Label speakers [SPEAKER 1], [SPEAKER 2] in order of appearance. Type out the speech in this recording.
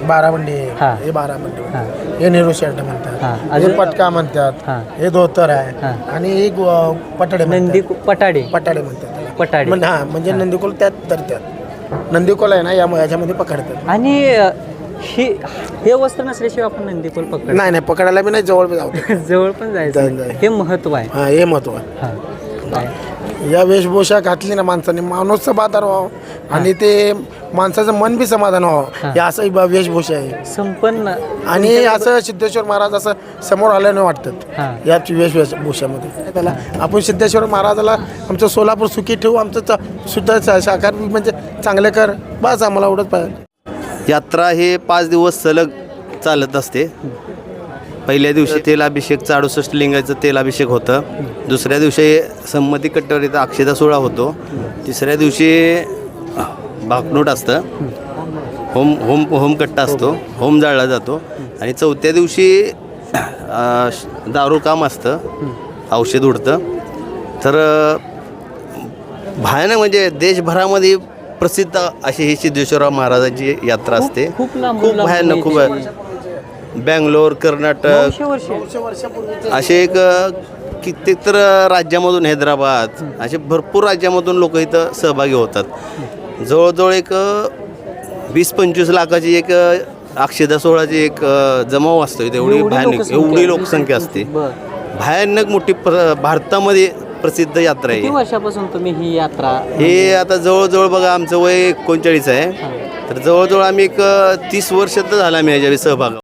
[SPEAKER 1] बारामंडी
[SPEAKER 2] हा.
[SPEAKER 1] हे बारामंडी
[SPEAKER 2] हा.
[SPEAKER 1] हे नेहरू शर्ट
[SPEAKER 2] हा.
[SPEAKER 1] म्हणतात, हे
[SPEAKER 2] अजून?
[SPEAKER 1] पटका म्हणतात,
[SPEAKER 2] हा.
[SPEAKER 1] हे धोतर आहे
[SPEAKER 2] हा.
[SPEAKER 1] आणि हे पटाडे
[SPEAKER 2] नंदी
[SPEAKER 1] म्हणतात.
[SPEAKER 2] पटाडे
[SPEAKER 1] पटाडे म्हणतात त्याला.
[SPEAKER 2] पटाडे.
[SPEAKER 1] हा म्हणजे नंदीकोल त्यात तर त्यात नंदीकोल आहे ना याच्यामध्ये पकडतात.
[SPEAKER 2] आणि हे वस्त्र नसल्याशिवाय आपण नंदीकोल पकड
[SPEAKER 1] नाही नाही पकडायला बी नाही, जवळ बी जाऊ
[SPEAKER 2] जवळ पण जायचं
[SPEAKER 1] जाय.
[SPEAKER 2] हे महत्व आहे.
[SPEAKER 1] हा हे महत्व आहे.
[SPEAKER 2] हा. काय?
[SPEAKER 1] या वेशभूषा घातली ना माणसाने माणूस समाधान व्हावं आणि ते माणसाचं मन बी समाधान व्हावं हे असं वेशभूषा आहे.
[SPEAKER 2] संपन्न
[SPEAKER 1] आणि असं सिद्धेश्वर महाराज असं समोर आल्याने वाटतात
[SPEAKER 2] हा.
[SPEAKER 1] या वेशभूषामध्ये. त्याला आपण सिद्धेश्वर महाराजाला आमचं सोलापूर सुखी ठेवू, आमचं सुद्धा साकार म्हणजे चांगले कर, बस आम्हाला एवढंच पाहिजे.
[SPEAKER 3] यात्रा हे 5 दिवस सलग चालत असते. पहिल्या दिवशी तेलाभिषेकचं 68 लिंगाचं तेलाभिषेक होतं. दुसऱ्या दिवशी संमती कट्ट्यावर अक्षता सोहळा होतो. तिसऱ्या दिवशी भाकणूट असतं, होमकट्टा असतो, होम जाळला जातो. आणि चौथ्या दिवशी दारू काम असतं, औषध उडतं. तर भयानक म्हणजे देशभरामध्ये प्रसिद्ध अशी ही सिद्धेश्वरराव महाराजांची यात्रा असते.
[SPEAKER 2] खूप लांब
[SPEAKER 3] भयानक, खूप बँगलोर, कर्नाटक
[SPEAKER 2] 900 वर्ष
[SPEAKER 3] असे एक कित्येक तर राज्यामधून, हैदराबाद असे भरपूर राज्यामधून लोक इथं सहभागी होतात. जवळजवळ एक 20-25 लाखाची एक अक्षता सोहळाची एक जमाव असतो इथे. एवढी लोकसंख्या असते. भयानक मोठी भारतामध्ये प्रसिद्ध यात्रा
[SPEAKER 2] किती
[SPEAKER 3] आहे.
[SPEAKER 2] वर्षापासून तुम्ही ही यात्रा
[SPEAKER 3] हे आता जवळजवळ बघा आमचं वय 39 आहे. तर जवळजवळ आम्ही एक 30 वर्ष तर झाला आम्ही याच्यावर सहभाग.